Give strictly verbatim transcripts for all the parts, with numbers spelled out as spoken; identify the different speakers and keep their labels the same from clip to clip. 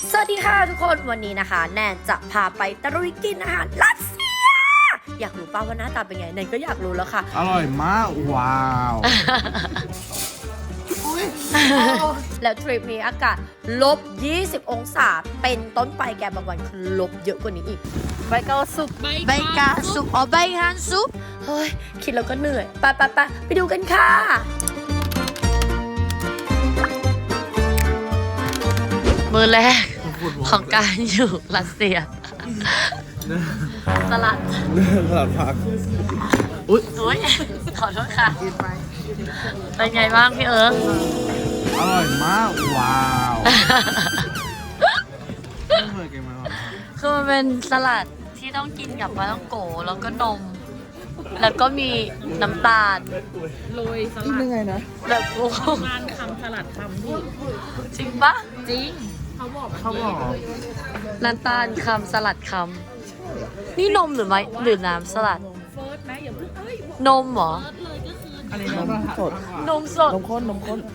Speaker 1: สวัสดีค่ะทุกคนวันนี้นะคะแนนจะพาไปตะลุยกินอาหารรัสเซียอยากรู้ป่าวว่าหน้าตาเป็นไงแนนก็อยากรู้แล้วค่ะ
Speaker 2: อร่อยมากว้าว
Speaker 1: แล้วทริปนี้อากาศลบยี่สิบองศาเป็นต้นไปแกบางวันคือลบเยอะกว่านี้อีกใบกาซุปใบกาซุปอ๋อใบฮันซุปเฮ้ยคิดแล้วก็เหนื่อยไปไปไปไปดูกันค่ะมือแรกของการอยู่รัสเซียสลัด
Speaker 2: สลัดผัก
Speaker 1: อุ๊ยอุ๊ยขอโทษค่ะเป็นไงบ้างพี่เอิร์ก
Speaker 2: อร่อยมากว้าวไม่เคยกินมาก่อน
Speaker 1: คือมันเป็นสลัดที่ต้องกินกับปลาท่องโกแล้วก็นมแล้วก็มีน้ำตาล
Speaker 3: โรยสลัด
Speaker 2: ยังไงนะ
Speaker 1: แบบโอ้
Speaker 3: งานคำสลัดคำพี่
Speaker 1: จริงปะ
Speaker 3: จริงเขาบอก
Speaker 2: เขาบอก
Speaker 1: น้ำตาลคำสลัดคำนี่นมหรือไม่หรือน้ำสลัด
Speaker 3: เฟิร์สไหมอย่าเพิ่งเอ้ย
Speaker 1: นมเหรอ
Speaker 3: เลยก็คือ
Speaker 2: อะไรนมสด
Speaker 1: นมสด
Speaker 2: นมข้นนมข้น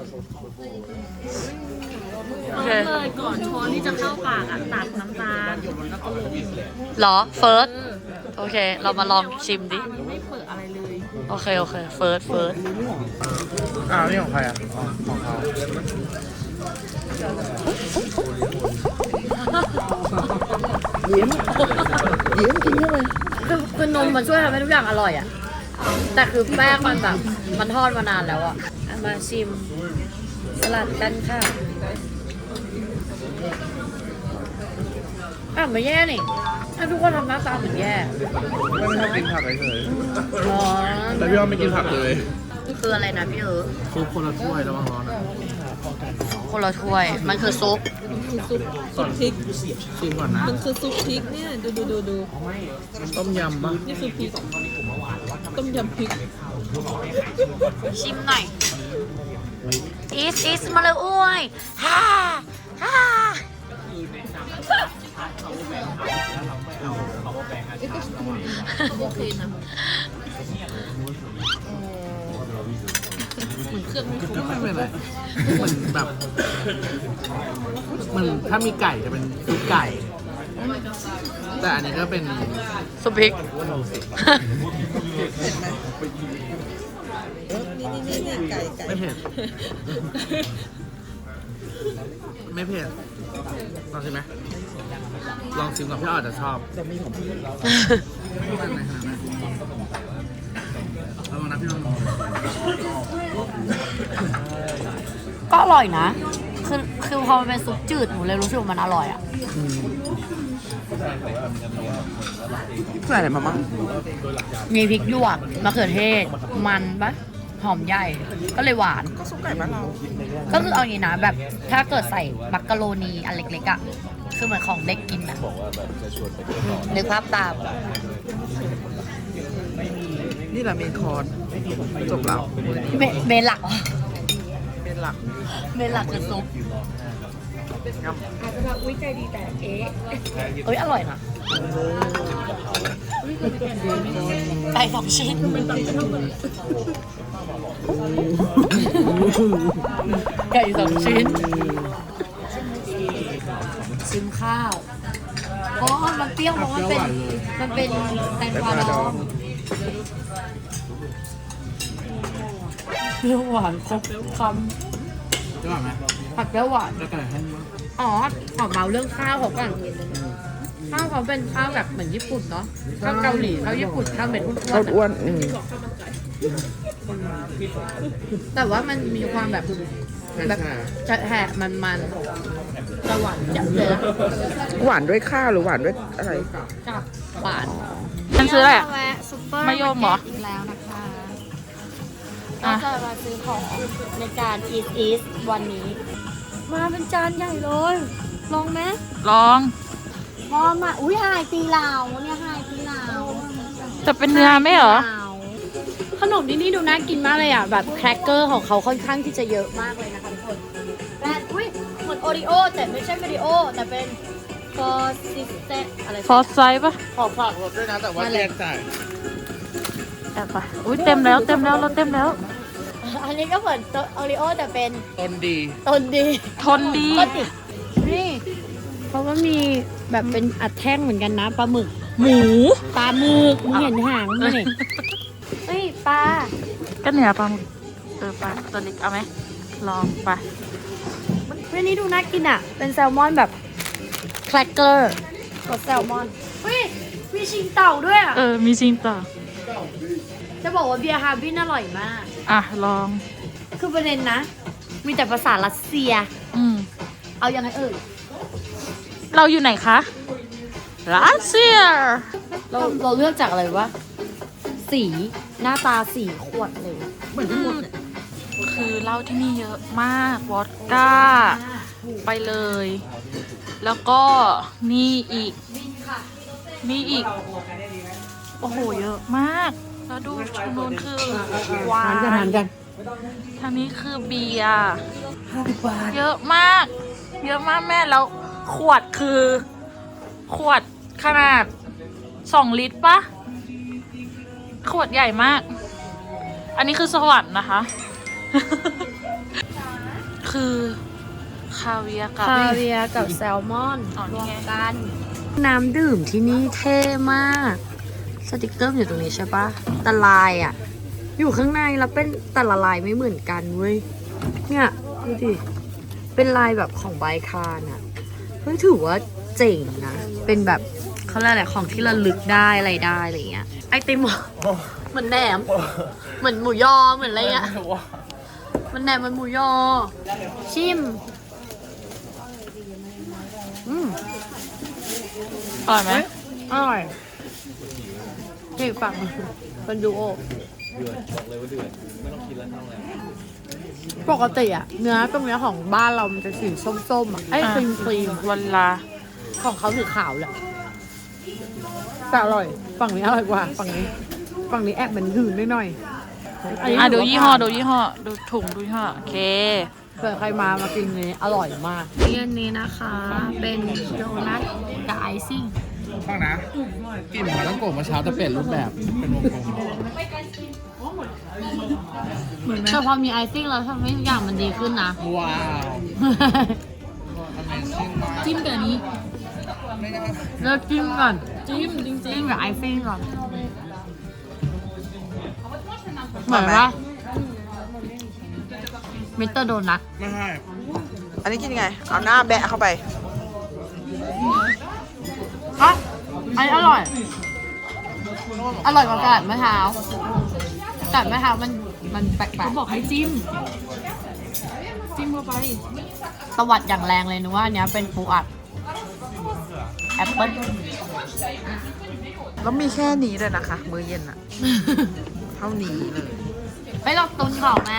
Speaker 3: เฟิร์สเลยก่อนช้อนที่จะเข้าปากอ่ะตัดน้ำตาลแล้วก็ลง
Speaker 1: หรอเฟิร์สโอเคเรามาลองชิมดิ
Speaker 3: ไม่เปิดอะไรเลย
Speaker 1: โอเคโอเคเฟิร์สเฟิร์ส
Speaker 2: อ้าวนี่ของใครอ่ะของเขายิ้มยิ้มกินเข้าไป
Speaker 1: คือคือนมมันช่วยทำให้ทุกอย่างอร่อยอ่ะแต่คือแป้งมันแบบมันทอดมานานแล้วอ่ะมาชิมสลัดกันค่ะอ่ะไม่แย่นี่ถ้าทุกคนทำหน้าตาเหมือนแย่
Speaker 2: ไม่ชอบกินผักเฉย
Speaker 1: ๆร้อน
Speaker 2: แต่พี่ว่าไม่กินผักเลย
Speaker 1: คืออะไรนะพี่เอ๋
Speaker 2: ซุปคนละถ้วยระวังร้อนนะ
Speaker 1: คนละถ้วยมันคือซุป
Speaker 3: คือซุปซุปพริก
Speaker 2: ชิมก่อนนะ
Speaker 3: มันคือซุปพริกเนี่ยดูดูดูดู
Speaker 2: ต้มยำปะ
Speaker 3: นี่คือพริกต้มยำพริก
Speaker 1: ชิมหน่อยอีสอีสมาเลยอ้วยฮ่าฮ่า
Speaker 3: โอเคนะเหมือนเครื่องไม่คุ้ม
Speaker 2: ไม่เป็นไรเหมือนแบบมันถ้ามีไก่จะเป็นซุปไก่แต่อันนี้ก็เป็น
Speaker 1: ซุปพริก
Speaker 3: นี่นี่นี่นี่ไก่ไก่
Speaker 2: ไม่เผ็ดไม่เผ็ดลองชิมไหมลองชิมกับพี่อ้อจะชอบจะมีของพี่แล้วระวังนะพี่อ้อ
Speaker 1: ก็อร่อยนะคือคือพอมันเป็นซุปจืดหนูเลยรู้สึกว่ามันอร่อยอ่ะ
Speaker 2: ใส่อะไรมาบ้าง
Speaker 1: มีพริกหยวกมะเขือเทศมันปะหอมใหญ่ก็เลยหวาน
Speaker 2: ก็ซุปไก่บ้านเรา
Speaker 1: ก็คือเอาอย่างนี้นะแบบถ้าเกิดใส่มักกะโรนีอันเล็กๆอ่ะคือเหมือนของเด็กกินนะนึกภาพตาม
Speaker 2: นี่แหละเมนคอร์สจบแล้ว
Speaker 1: เมเมนหลัก
Speaker 2: เมนหลัก
Speaker 1: เมนหลักคือซุป
Speaker 3: อาจจะแบบอุ้ยใจดีแต่เอ๊ะ
Speaker 1: เอ้ยอร่อยนะไก่สองชิ้นไก่สองชิ้นชิมข้าวอ๋อมันเปรี้ยวเพราะมันเป็นมันเป็นแตงกวาดองเปรี้ยวหวานครบคำ
Speaker 2: จะหวานไหม
Speaker 1: ผัดเปรี้ยวหวาน
Speaker 2: จะไก่ให้
Speaker 1: อ๋อขอเมาเรื่องข้าวเขาก่อนข้าวเขาเป็นข้าวแบบเหมือนญี่ปุ่นเนาะข้าวเกาหลีข้าวญี่ปุ่นข้าวเม็ดอ้วนๆแต่ว่ามันมีความแบบแบบจะแหะมันมันจะหวานจัดเลย
Speaker 4: หวานด้วยข้าวหรือหวานด้วยอะไร
Speaker 1: จับหวาน
Speaker 3: มันซื้ออะไรอ่ะ
Speaker 1: มายมเหรออีกแล้วนะคะก็จะมาซื้อของในการ Eat Eat วันนี้มาเป็นจานใหญ่เลยลองไหม
Speaker 3: ลอง
Speaker 1: พอมาอุ้ยไฮตีลาวเนี่ยไฮตีลาว
Speaker 3: จะเป็นเนื้อไหมเหรอ
Speaker 1: ขนมที่นี่ดูน่ากินมากเลยอ่ะแบบแครกเกอร์ของเขาค่อนข้างที่จะเยอะมากเลยนะคะทุกคนแต่อุ้ยเหมือนโอริโอแต่ไม่ใช่โอริโอแต่เป็นฟอร์ซิสเตอะไร
Speaker 3: ฟอร์ไซส์ปะ
Speaker 2: ขอฝากรถด้วยนะแต่ว่าแยกจ่าย
Speaker 3: แอบไปอุ้ยเต็มแล้วเต็มแล้วเราเต็มแล้ว
Speaker 1: อันนี้ก็เหมือนโอริโอแต่เป็น
Speaker 2: ต้นดี
Speaker 1: ต้นดี
Speaker 3: ทนดี
Speaker 1: นี่เขาก็มีแบบเป็นอัดแท่งเหมือนกันนะปลาหมึก หมู ปลาหมึกมึงเห็นหางมั้ยเนี่ยเฮ้ยปลา
Speaker 3: ก็เนื้อปลาหมึกเออปลาตัวเล็กเอาไหมลองไป
Speaker 1: เฮ้ยนี่ดูน่ากินอ่ะ เป็นแซลมอนแบบแครกเกอร์รสแซลมอน เฮ้ย มีชิงเต่าด้วยอ่ะ
Speaker 3: เออมีจริงต่อ
Speaker 1: จะบอกว่าเบียร์ฮาร์บินอร่อยมาก
Speaker 3: อ่ะลอง
Speaker 1: คือประเด็นนะ มีแต่ภาษารัสเซีย
Speaker 3: อืม
Speaker 1: เอายังไงเอ่ย
Speaker 3: เราอยู่ไหนคะรัสเซีย
Speaker 1: เราเราเลือกจากอะไรวะ สีหน้าตาสีขวดเลย
Speaker 3: คือเหล้าที่นี่เยอะมากวอดก้า ไปเลย แล้วก็นี่อีก นี่อีก โอ้โห เยอะมาก แล้วดูทางโน้นคือวาย ทางนี้คือเบียร์เยอะมาก เยอะมากแม่แล้วขวดคือ ขวดขนาดสองลิตรปะขวดใหญ่มาก อันนี้คือสวรรค์นะคะ คือคาเวียร์กับ
Speaker 1: คาเวียร์กับแซลมอน
Speaker 3: อ๋อนี่
Speaker 1: รวม
Speaker 3: ไง
Speaker 1: กัน น้ำดื่มที่นี่เท่มาก สติกเกอร์อยู่ตรงนี้ใช่ปะแต่ลายอ่ะ อยู่ข้างในแล้วเป็นแต่ละลายไม่เหมือนกันเว้ย เนี่ยดูดิ เป็นลายแบบของไบคานอ่ะเฮ้ยถือว่าเจ๋งนะ เป็นแบบเขาเรียกอะไรของที่ระลึกได้อะไรได้อะไรเงี้ย ไอติมเหรอเหมือนแหนม เหมือนหมูยอเหมือนอะไรเงี้ย มันแหนมมันหมูยอ ชิม อืม
Speaker 3: อร่อยไหม
Speaker 1: อร่อยเฮ้ยฝั่งเป็นดูโอปกติอะเนื้อตรงเนี้ยของบ้านเรามันจะสีส้มๆอะไอ้ครีมครีม
Speaker 3: วันลา
Speaker 1: ของเขาสีขาวแหละแต่อร่อย ฝั่งนี้อร่อยกว่า ฝั่งนี้ ฝั่งนี้แอบเหมือนหืนนิดหน่อยนนี้
Speaker 3: อ่ะดู
Speaker 1: ถืว่า
Speaker 3: ยี่ห้อดูยี่ห้อ ดูถุงดูยี่ห้อ โอเค
Speaker 1: เผื่อใครมามากินนี้อร่อยมากเรียนนี้นะคะ เป็นโดนัทกับไอซิ่ง
Speaker 2: ฟังนะกลิ่นหมาต้องโกะเมื่อเช้าจะเปลี่ยนรูปแบบเป็นวงกลม
Speaker 1: แต่พอมีไอซิ่งแล้วทำให้ทุกอย่างมันดีขึ้นนะ
Speaker 2: ว้าว Amazing มาก
Speaker 3: จิ้มกับอันนี้
Speaker 1: เลิกจิ้มก่อน
Speaker 3: จิ้มจริง
Speaker 1: จิ้มกับไอซิ่งก่อนเหมือนว่ามิสเตอร์โดนัท
Speaker 2: ไม่ใช่
Speaker 4: อันนี้กินยังไง เอาหน้าแบะเข้าไป
Speaker 1: อ่ะอันนี้อร่อย อร่อยกว่ากระดาษมะพร้าวกระดาษมะพร้าวมันมันแปลก
Speaker 3: เขาบอกให้จิ้ม จิ้มเข้าไป
Speaker 1: ๆตวัดอย่างแรงเลยนึกว่าอันเนี้ยเป็นปูอัดแอปเปิ้ล
Speaker 4: แล้วมีแค่นี้เลยนะคะ มื้อเย็นอะ เท่านี้เลย
Speaker 1: ไม่ลองตุนของแม่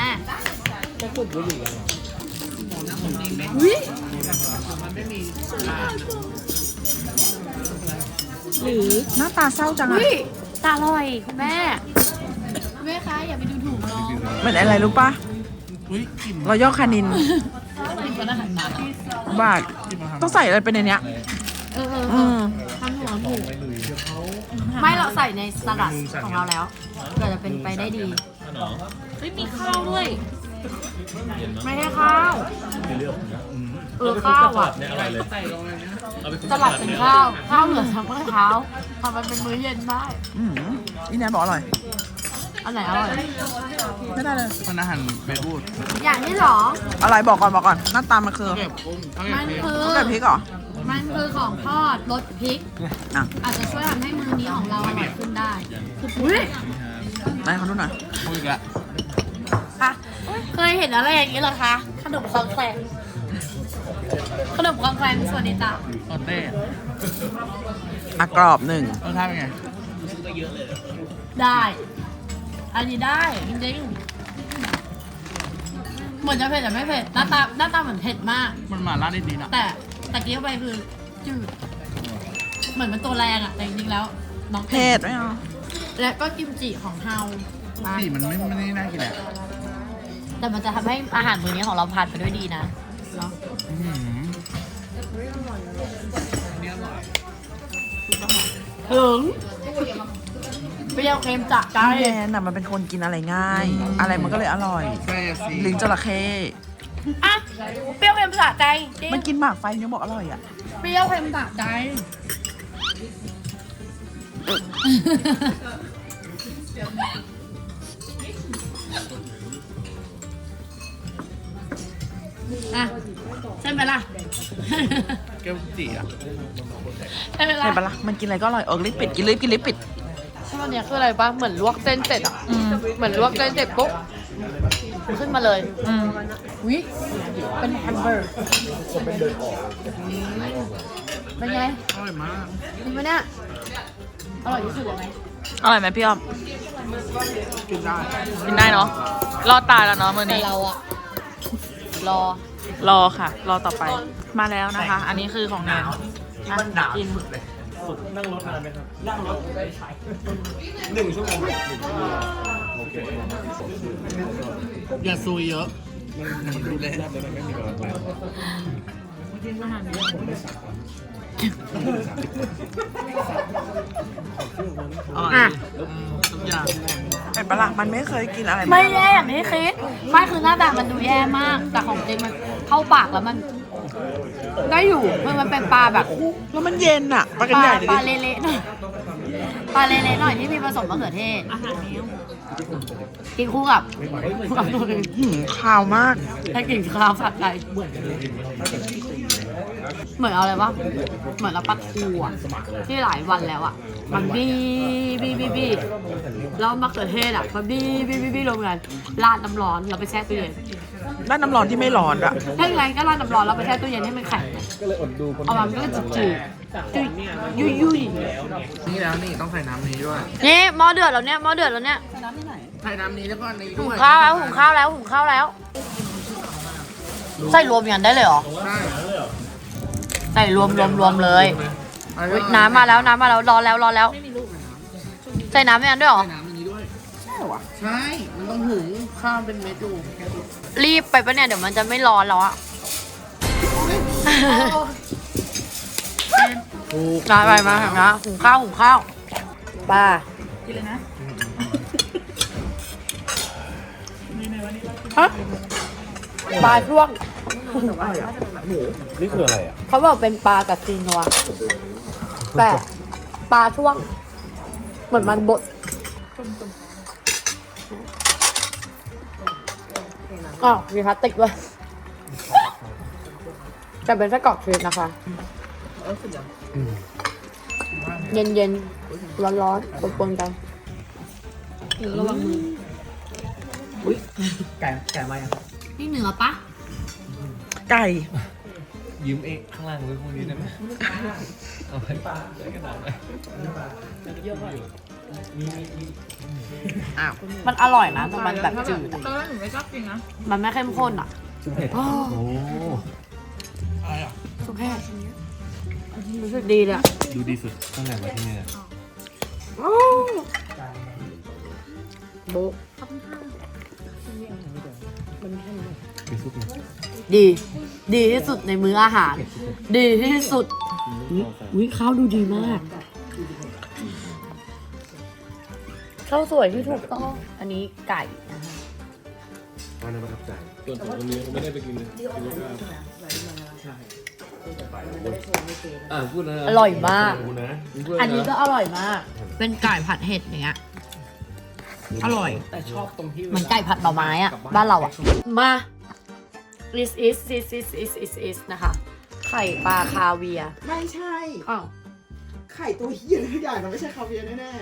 Speaker 3: หรือ
Speaker 4: หน้าตาเศร้าจังอะ
Speaker 1: อุ้ยตาอร่อยคุณแม่คุณแม่คะอย่าไปดูถูกน้อง
Speaker 4: เหมือนอะไรรู้ปะ
Speaker 2: อุ้ยกลิ่น
Speaker 4: รอยย่อคานิน บาท ต้องใส่อะไรไปในเนี้ย
Speaker 1: เออเออเอ
Speaker 4: อื
Speaker 1: อ
Speaker 4: ม
Speaker 1: ทำหัวหมูไม่เราใส่ในสลัดของเราแล้วเกิดจะเป็นไปได้ดี
Speaker 3: เฮ้ยมีข้าวด้วย
Speaker 1: ไม่ใช่ข้าวเออข้าวอ่ะสลัดเป็นข้าว ข้าวเหลือทั้งเมื่อเช้าทำมันเป็นมื้อเย็นได้
Speaker 4: อืมนี่แนนบอกอร่อย
Speaker 1: อันไหนอร่อย
Speaker 4: ไม่ได้เลย
Speaker 2: มันอาหารเบบูด
Speaker 1: อย่างนี้เหรอ
Speaker 4: อะไรบอกก่อนบอกก่อน หน้าตามันคือ
Speaker 2: เก็บกุ้งเอา
Speaker 1: มัน
Speaker 2: เก็บ
Speaker 1: คือ
Speaker 4: ต้องแบบพริกเหรอ
Speaker 1: มันคือของทอดรสพริก
Speaker 4: อ่ะ
Speaker 1: อาจจะช่วยทำให้มื้อนี้ของเราอร่อยขึ้นได้คืออุ้ย
Speaker 4: ไหนเขาดูหน่อย
Speaker 2: กุ้งอีกแล้ว
Speaker 1: ค่ะเคยเห็นอะไรอย่างนี้เหรอคะขนมคองแคลงขนมคองแคลงส่วนนี้จ้ะ
Speaker 2: โอเต้
Speaker 4: อ่ะกรอบหนึ่ง
Speaker 2: รสชาติเป็นไง
Speaker 1: ได้ อันนี้ได้จริงๆเหมือนจะเผ็ดแต่ไม่เผ็ดหน้าตาหน้าตาเหมือนเผ็ดมาก
Speaker 2: มันหมาล่าได้ดีนะ
Speaker 1: แต่แต่กี้เข้าไปคือจืดเหมือนมันตัวแรงอะแต่จริงๆแล้วน้อง
Speaker 4: เผ็ดไหมอ่ะ
Speaker 1: และก็กิมจิของเฮาอ่ะ
Speaker 2: สีมันไม่ไม่ได้น่ากินแหละ
Speaker 1: แต่มันจะทำให้อาหารมื้อนี้ของเราผ่านไปด้วยดีนะเนาะ
Speaker 2: อื้อหือ
Speaker 1: ถึงเปรี้ยวเค็มจัดใจ
Speaker 4: แนนน่ะมันเป็นคนกินอะไรง่าย อะไรมันก็เลยอร่อย
Speaker 2: ใช่สิ
Speaker 4: ลิ้นจระเข้
Speaker 1: อ่ะเปรี้ยวเค็มสะใจจริง
Speaker 5: มันกินหมากไฟยังบอกอร่อยอ่ะ
Speaker 1: เปรี้ยวเค็มสะใจอ่ะใช่ไหมล่ะ
Speaker 2: แก้วจีอ่ะ
Speaker 1: ใช่ไหมล่ะ
Speaker 5: เห็นปะล่ะมันกินอะไรก็อร่อยเออลิปปิดกินลิปกินลิปปิด
Speaker 1: ช่วงเนี้ยคืออะไรปะเหมือนลวกเส้นเสร็จอ่ะเหมือนลวกเส้นเสร็จปุ๊บขึ้นมาเลย
Speaker 5: อืม
Speaker 1: วิเป็นแฮมเบอร์เป็นไง
Speaker 2: อร่อยมาก
Speaker 1: เป็นไหมเนี่ยอร่อยที่สุดเลยไหม
Speaker 3: อร่อยไหมพี่อ้อม
Speaker 2: กินได้
Speaker 3: กินได้เนาะ รอดตายแล้วเนาะมื้อ
Speaker 1: แต่
Speaker 3: นี้
Speaker 1: เราอะรอ
Speaker 3: รอค่ะ รอต่อไป มาแล้วนะคะ อันนี้คือของแนนอ่ะกิน
Speaker 2: อย่าซุยเยอะดูแลอร่อย
Speaker 1: อ่ะ
Speaker 2: ทุกอย่าง
Speaker 5: เห็นปะล่ะมันไม่เคยกินอะไร
Speaker 1: ไม่แย่อย่างที่คิดไม่คือหน้าตามันดูแย่มาก แต่ของจริงมันเข้าปากแล้วมันได้อยู่มันมันเป็นปลาแบบ
Speaker 5: แล้วมันเย็นอ่ะปลา
Speaker 1: ป
Speaker 5: กัน
Speaker 1: ลา
Speaker 5: ใหญ่
Speaker 1: ปลา
Speaker 5: ดิ
Speaker 1: เละๆหน่อยปลาเละๆหน่อยที่มีผสมมะเขือเทศกินคู่กับคู่กับตัวอื่น
Speaker 5: หืมขาวมาก
Speaker 1: ให้กลิ่นคาวผัดไทยเหมือนเอาอะไรวะเหมือนเราปลาทูอ่ะที่หลายวันแล้วอ่ะมันบี้บี้บี้บี้แล้วมะเขือเทศอ่ะมันบี้บี้บี้บี้รวมกันราดน้ำร้อนเราไปแช่ตู้เย็น
Speaker 5: ด้านน้ำร้อนที่ไม่ร้อนอ่ะ
Speaker 1: ถ้าอย่างไรก็ราดน้ำร้อนเราไปแช่ตู้เย็นให้มันแข็งเอามามันก็จะจืดจืดยุ่ยยุ่ย
Speaker 2: นี่แล้วนี่ต้องใส่น้ำนี้ด้วย
Speaker 1: นี่หม้อเดือดแล้วเนี่ยหม้อเดือดแล้วเนี่ย
Speaker 2: ใส่น้ำนี้แล้วก็อันนี้
Speaker 1: หุ
Speaker 2: ด้
Speaker 1: ง
Speaker 2: วย
Speaker 1: ข้าวแล้วหุงข้าวแล้วหุงข้าวแล้วใส่รวมอย่างนั้นได้เลยเหรอ
Speaker 2: ใช่
Speaker 1: ใส่รวมรวมรวมเลยอุ๊ยน้ำมาแล้วน้ำมาแล้วรอแล้วรอแล้วใส่น้ำอย่างนั้นด้วยเหรอ
Speaker 2: ใส่น้ำอันนี้ด้วย ใช่หรอใช่ มันต้องหุงข้าวเป็นเม็ดอยู่
Speaker 1: รีบไปปะเนี่ยเดี๋ยวมันจะไม่ร้อนแล้วอะ
Speaker 2: ถูก
Speaker 1: มาไปมาถึงนะหุงข้าวหุงข้าวป้ากินเลยนะฮะปลาช่วง
Speaker 6: นี่คืออะไรอ่ะ
Speaker 1: เขาบอกเป็นปลากับซีนัวแต่ปลาช่วง เหมือนมันบดอ๋อมีพลาสติกด้วยแต่เป็นไส้กรอกชีสนะคะ เย็นเย็นร้อนร้อนๆปนๆกันระวังมือ
Speaker 2: ไก่ไก่มายัง
Speaker 1: นี่เหนือปะ
Speaker 5: ไก่
Speaker 6: ยืมเองข้างล่างไว้พวกนี้ได้ไหมเอาไปปลาได้กระดาษไหม
Speaker 2: อ้าว
Speaker 1: มันอร่อยนะแต่มันแบบจืดอะ
Speaker 3: ตอนแรกหนูไม่ชอบกินนะ
Speaker 1: มันไม่เข้มข้นอ่ะ
Speaker 6: ชุบเห็ด
Speaker 1: โอ้
Speaker 6: โอ้
Speaker 2: อะไรอ่ะ
Speaker 1: สุกแค่รู้สึกดีเลยอะ
Speaker 6: ดูดีสุดตั้งแต่มาที่นี่
Speaker 1: โบ๊ะ
Speaker 6: เป็นซุปนะ
Speaker 1: ดี ดีที่สุดในมื้ออาหาร ดีที่สุดอุ้ยข้าวดูดีมากข้าวสวยที่ถูกต้อง อันนี้ไก่นะคะ
Speaker 6: ตอนนั้นประทับใจส่วนวันนี้ไม่ได้ไปกินเลยอ่าพูดนะ
Speaker 1: อร่อยมาก
Speaker 6: พูดนะ
Speaker 1: อันนี้ก็อร่อยมาก เป็นไก่ผัดเห็ดอย่างเงี้ย อร่อย
Speaker 2: แต่ชอบตรงที่
Speaker 1: เหมือนไก่ผัดหน่อไม้อะบ้านเราอะมา this is this is is is is นะคะ ไข่ปลาคาเวียร์
Speaker 5: ไม่ใช่
Speaker 1: อ้าว
Speaker 5: ไข่ตัวเฮียทุกอย่างมันไม่ใช่คาเวียร์แน่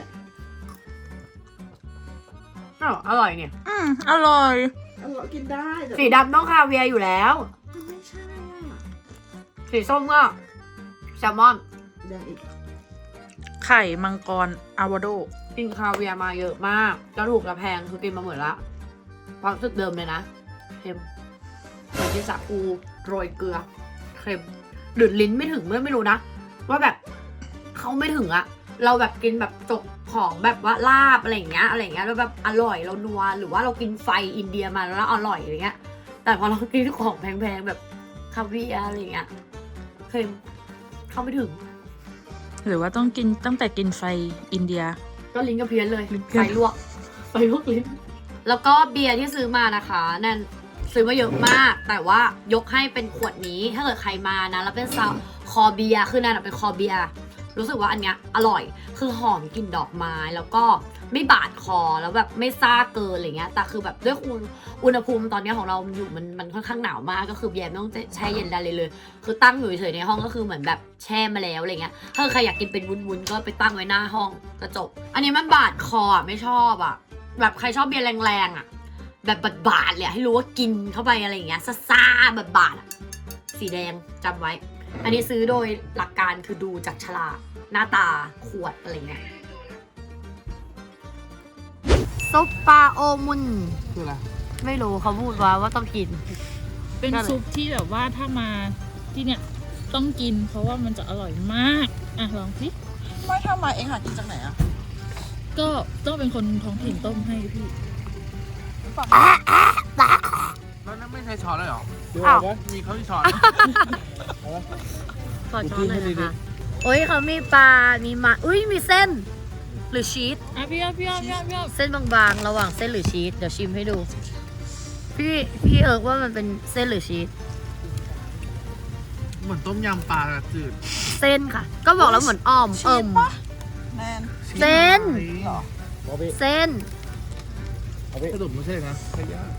Speaker 1: อ้าวอร่อยเนี่ย
Speaker 3: อืมอร่อย
Speaker 5: ๆอร่อยกินได้แต่
Speaker 1: สีดำต้องคาเวียร์อยู่แล้ว
Speaker 5: มันไม่ใช่อ่ะ
Speaker 1: สีส้มก็แซลมอน
Speaker 5: ยังอีก
Speaker 3: ไข่มังกรอะโวคาโด
Speaker 1: กินคาเวียร์มาเยอะมากจะถูกจะแพงคือกินมาหมดละความรู้สึกเดิมเลยนะเค็มเหมือนที่สาคูโรยเกลือเค็มหรือลิ้นไม่ถึงไม่ไม่รู้นะ ว่าแบบเขาไม่ถึงอะเราแบบกินแบบจกของแบบว่าลาบอะไรอย่างเงี้ยอะไรอย่างเงี้ยแล้วแบบอร่อยเรานัวหรือว่าเรากินไฟอินเดียมาแล้วอร่อยอะไรเงี้ย แต่พอเรากินของแพงๆแบบคาเวียร์อะไรอย่างเงี้ยเค็มเข้าไม่ถึง
Speaker 3: หรือว่าต้องกินตั้งแต่กินไฟอินเดีย
Speaker 1: ก็ลิ้นกระเพี้ยนเลย
Speaker 3: ลิ้นเพี้ยน
Speaker 1: ไฟลวกไฟลวกลิ้น แล้วก็เบียร์ที่ซื้อมานะคะแนนซื้อมาเยอะมาก แต่ว่ายกให้เป็นขวดนี้ถ้าเกิดใครมานะแล้วเป็นซาวคอเบียร์คือนั่นเป็นคอเบียร์รู้สึกว่าอันเนี้ยอร่อยคือหอมกลิ่นดอกไม้แล้วก็ไม่บาดคอแล้วแบบไม่ซ่าเกินอะไรเงี้ยแต่คือแบบด้วยอุณอุณหภูมิตอนเนี้ยของเราอยู่มันมันค่อนข้างหนาวมากก็คือแยมไม่ต้องแช่เย็นได้เลยเลยคือตั้งอยู่เฉยๆในห้องก็คือเหมือนแบบแช่มาแล้วอะไรเงี้ยถ้าใครอยากกินเป็นวุ้นๆก็ไปตั้งไว้หน้าห้องก็จบอันนี้มันบาดคออ่ะไม่ชอบอ่ะแบบใครชอบเบียร์แรงๆอ่ะแบบบาดๆเลยให้รู้ว่ากินเข้าไปอะไรอย่างเงี้ยซ่าๆแบบบาดอ่ะสีแดงจำไว้อันนี้ซื้อโดยหลักการคือดูจากฉลากหน้าตาขวดอะไรเงี้ยซุปปลาโอมุน
Speaker 2: คืออะไร
Speaker 1: ไม่รู้เขาพูดว่าว่าต้องกิน
Speaker 3: เป็นซุปที่แบบว่าถ้ามาที่เนี่ยต้องกินเพราะว่ามันจะอร่อยมากอ่ะลองสิ
Speaker 5: ไม่ถ้ามาเองหากินจากไหนอ่ะ
Speaker 3: ก็ต้องเป็นคนท้องถิ่นต้มให้พี่
Speaker 2: แล้วนั่นไม่ใช่ช้อนเลยเหรอ
Speaker 1: อ้าว
Speaker 2: มีเขาที่ช้อน
Speaker 1: ขอช้อนหน่อยนะคะโอ้ยเขามีปลา มีมาอุ้ยมีเส้น หรือชีส
Speaker 3: อ่ะพี่อ้อมพี่อ้อมพี่อ้อมพี่อ้อม
Speaker 1: เส้นบางๆ ระหว่างเส้นหรือชีส เดี๋ยวชิมให้ดู พี่พี่เอิร์กว่ามันเป็นเส้นหรือชีส
Speaker 2: เหมือนต้มยำปลาจืด
Speaker 1: เส้นค่ะ ก็บอกแล้วเหมือนอ้อมเอิ่ม
Speaker 5: แนน
Speaker 1: เส้น
Speaker 5: เหรอ
Speaker 1: เส้น
Speaker 2: สรุปไม่ใช่นะไม่ยาก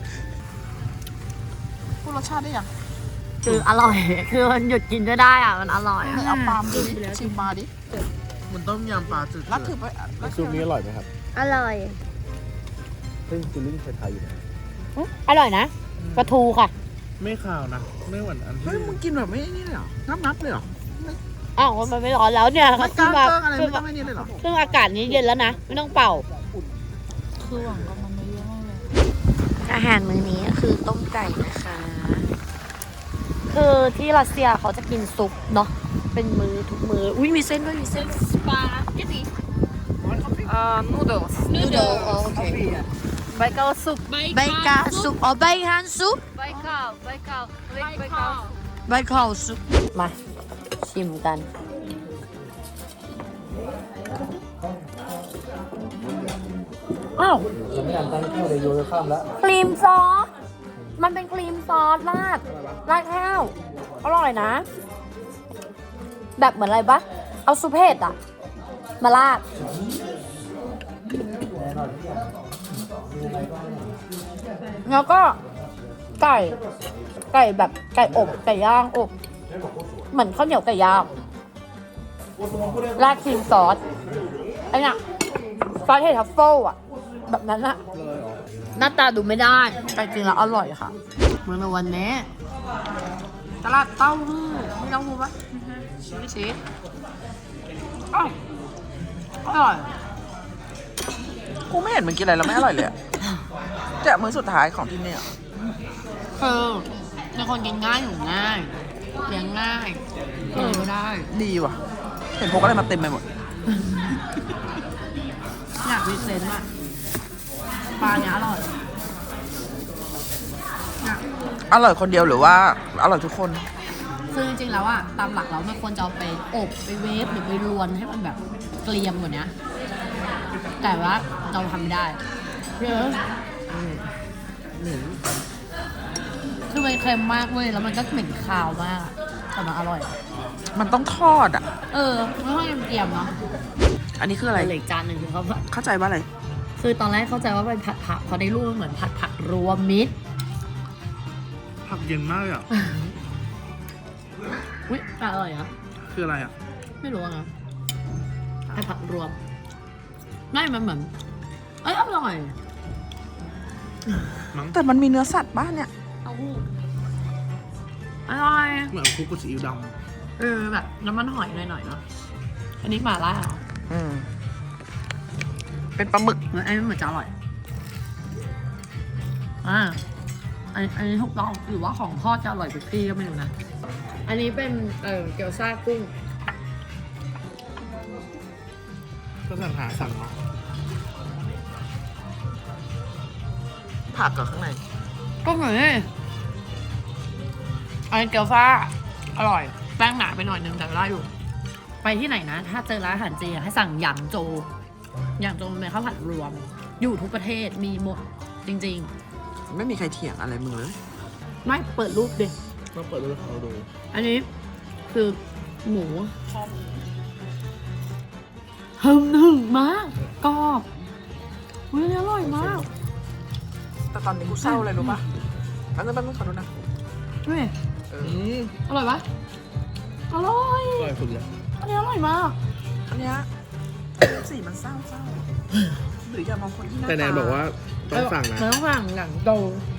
Speaker 5: พูดรสชาติได้ยัง
Speaker 1: คืออร่อย คือมันหยุดกินก็ได้อ่ะ มันอร่อยอะ
Speaker 5: เอาปลามาดิชิมปลาดิ
Speaker 2: เหมือนต้มยำปลาจืด
Speaker 5: รัดถือไปรัด
Speaker 6: ซุปนี้อร่อยไหมครับ
Speaker 1: อร่อย
Speaker 6: ซึ่งฟิลลิ่งไทยๆอยู่นะ
Speaker 1: อร่อยนะปลาทูค่ะ
Speaker 2: ไม่ขาวนะ ไม่เหมือนอันที่
Speaker 5: เฮ้ยมึงกินแบบไม่นี่เลยเหรองับงับเลยเหรอ
Speaker 1: อ้าวมันไม่ร้อนแล้วเนี่ย
Speaker 5: ไม่ก
Speaker 1: ขึ้
Speaker 5: ล้าน
Speaker 1: มา
Speaker 5: เกิ้งอะไร
Speaker 1: ขึ้
Speaker 5: ไม่
Speaker 1: น
Speaker 5: ต้
Speaker 1: มา
Speaker 5: องไม่นี่เลยเหรอ
Speaker 1: ซึ่งอากาศนี้เย็นแล้วนะ ไม่ต้องเป่า
Speaker 3: คือหวังกับมันเยอะมากเลย
Speaker 1: อาหารมื้อนี้คือต้มไก่นะคะ คือที่รัสเซียเขาจะกินซุปเนาะ เป็นมือทุกมือ อุ้ยมีเส้นด้วยมีเส้น
Speaker 3: สปาเกตตี้
Speaker 4: อ่านูโดส
Speaker 1: นูโดโอเค
Speaker 4: ใบเกาซุป
Speaker 1: ใบกาซุปอ๋อใบฮันซุป
Speaker 4: ใบเกาใบเกาเรียกใบ
Speaker 3: ใบ
Speaker 4: เกา
Speaker 3: ข้าว
Speaker 1: ใบข้าวซุป มา ชิมกัน อ้าว
Speaker 6: จะไม่อ่านตั้งแค่เลยโยนข้ามแล้ว
Speaker 1: ครีมซอส มันเป็นครีมซอสราดราดข้าว อร่อยนะ แบบเหมือนอะไรปะเอาซุปเห็ดอะมาราด แล้วก็ไก่ ไก่แบบไก่อบไก่ย่างอบ เหมือนข้าวเหนียวไก่ย่างราดครีมซอสไอ้เนี่ยซอสเห็ดทัฟเฟิลอะแบบนั้นอะหน้าตาดูไม่ได้แต่จริงแล้วอร่อยค่ะเมื่อวันนี้ตลาดเต้าหู้มีเต้าหู้ปะไม่ใช่อ้าวอร่อย
Speaker 5: กูไม่เห็นมึงกินอะไรแล้วไม่อร่อยเลยอะแต่มื้อสุดท้ายของที่เนี่ย
Speaker 1: คือเป็นคนกินง่ายอยู่ง่ายเลี้ยงง่ายกินอะไรก็ได้
Speaker 5: ดีว่ะ เห็นพกอะไรมาเต็มไปหมด
Speaker 1: อยากมีเซนต์อะปลาเนี้ยอร่อยเนี่ย
Speaker 5: อร่อยคนเดียวหรือว่าอร่อยทุกคน
Speaker 1: คือจริงๆแล้วอะตามหลักแล้วมันควรจะเอาไปอบไปเวฟหรือไปรวนให้มันแบบเกรียมกว่านี้แต่ว่าเราทำไม่ได้เยอะคือมันเค็มมากเว้ยแล้วมันก็เหม็นคาวมากแต่มันอร่อย
Speaker 5: มันต้องทอดอ่ะ
Speaker 1: เออไม่ค่อยเกรียมๆเนาะ
Speaker 5: อันนี้คืออะไร
Speaker 1: เหลืออีกจานหนึ่งคือเขา
Speaker 5: เข้าใจว่าอะไร
Speaker 1: คือตอนแรกเข้าใจว่าเป็นผัดผักพอได้รูปมันเหมือนผัดผักรวมมิตร
Speaker 2: ผักเย็นมากเลยอ่ะ
Speaker 1: อุ้ยอร่อยอะ
Speaker 2: คืออะไรอ่ะ
Speaker 1: ไม่รู้อะนะผัดผักรวมไม่มันเหมือนเอ้ยอร่อย
Speaker 2: มั้ง
Speaker 5: แต่มันมีเนื้อสัตว์บ้านเนี่ย
Speaker 1: เต้าหู้อร่อย
Speaker 2: เหมือนคลุกกับซีอิ๊วด
Speaker 1: เออแบบน้ำมันหอยหน่อยๆเนาะอันนี้หม่าล่าเหรอ
Speaker 5: อืม เป็นปลาหมึก
Speaker 1: เอออันนี้เหมือนจะอร่อยอ่าอันอันนี้ถูกต้องหรือว่าของทอดจะอร่อยกว่าพี่ก็ไม่รู้นะอันนี้เป็นเออเกี๊ยวซ่ากุ้ง
Speaker 2: ำก็สั่งหาสั่งเนาะ
Speaker 5: ผักกับข้างใน
Speaker 1: ก็เหมือนอันนี้เกี๊ยวซ่าอร่อยแป้งหนาไปหน่อยนึงแต่ได้อยู่ ไปที่ไหนนะ ถ้าเจอร้านอาหารเจให้สั่งหยางโจหยางโจมันเป็นข้าวผัดรวม อยู่ทุกประเทศมีหมดจริงๆ
Speaker 5: ไม่มีใครเถียงอะไรมึงเลย
Speaker 1: ไม่เปิดรูปดิ
Speaker 2: ต้องเปิดดูให้เขาดู
Speaker 1: อันนี้คือหมูหึมหึมมากกรอบอุ้ยอร่อยมาก
Speaker 5: แต่ตอนนี้กูเศร้าเลยรู้ปะแป๊บนึงแป๊บนึงขอดูนะ
Speaker 1: นี่
Speaker 5: เอ
Speaker 2: อื
Speaker 5: อ
Speaker 2: ม
Speaker 1: อร่อยปะอร่อย
Speaker 2: อร่อยสุดเลย
Speaker 1: อันนี้อร่อยมาก
Speaker 5: อันเนี้ยสีมันเศร้าเศร้าหรืออย่ามองคนที่หน้า
Speaker 2: แต่แนนบอกว่าต้องสั่งนะ
Speaker 1: มันต้องสั่งอย่างโต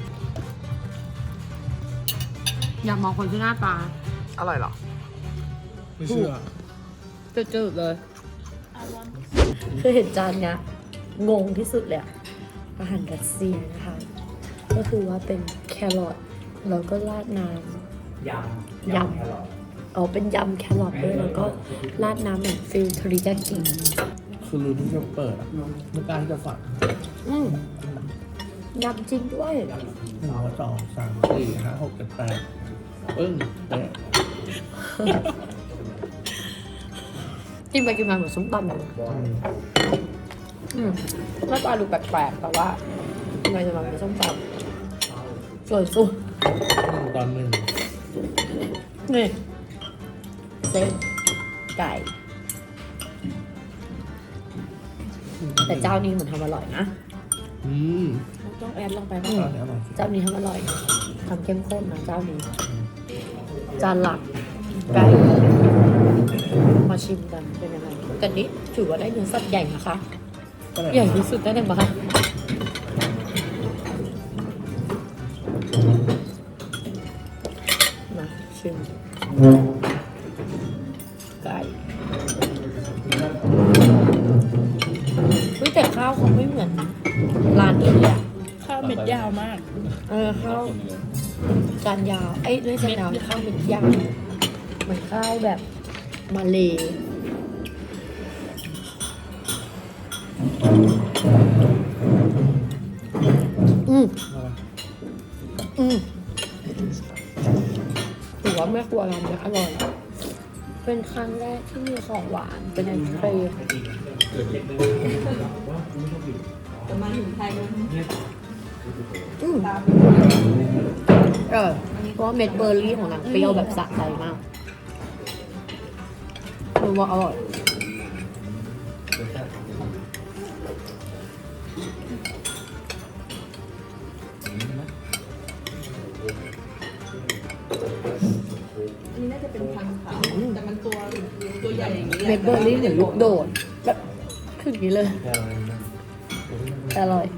Speaker 1: อย่ามองคนที่หน้าตา
Speaker 5: อร่อยเหรอ
Speaker 2: ไม่เชื่อ
Speaker 1: จืดๆเลยคือเห็นจานเนี้ยงงที่สุดเลยอะอาหารรัสเซียนะคะ ก็คือว่าเป็นแครอทแล้วก็ราดน้ำยำอ๋อเป็นยำแครอทด้วยแล้วก็ราดน้ำเหมือนฟิลเทริยากิ
Speaker 2: คือรู้ที่จะเปิดอะไม่กล้าที่จะสั่ง
Speaker 1: อืมยำจริงด้วย
Speaker 2: หนึ่งสองสามสี่ห้าหกเจ็ดแปดปึ้งแปด
Speaker 1: กินไปกินมาเหมือนส้มตำเลยอืมหน้าตาดูแปลกๆแต่ว่าทำไมจะมาเป็นส้มตำส่วนซุป
Speaker 2: หนึ่งตอนหนึ่ง
Speaker 1: นี่เส้นไก่ แต่เจ้านี้เหมือนทำอร่อยนะ
Speaker 2: อืม
Speaker 1: ต้องแอดลงไป
Speaker 2: อ
Speaker 1: บ้าง
Speaker 2: ร่อยอร่อย
Speaker 1: เจ้านี้ทำอร่อยทำเข้มข้นนะเจ้านี้ จานหลักไก่มาชิมกันเป็นยังไงแต่นี้ถือว่าได้เนื้อสัตว์ใหญ่นะคะ ใหญ่ที่สุดได้เลยปะคะมาชิมไก่เฮ้ยแต่ข้าวเขาไม่เหมือนร้านนี้เลยอะ
Speaker 3: ข้าวเม็ดยาวมาก
Speaker 1: เออข้าวจานยาวไอ้ยไม่ใช่จานยาวข้าวเป็นยาวเหมือนข้าวแบบมาเลอืมอืมถือว่าแม่ครัวร้านนี้อร่อย เป็นครั้งแรกที่มีของหวานเป็นไอศครีมจะมาถึงไทยอืมเออเพราะว่าเม็ดเบอร์รี่ของนางเปรี้ยวแบบสะใจมากคือว่าอร่อยเม็ดเบอร์รี่เหมือนลูกโดดแบบคืออย่างนี้เลยแต่อร่อย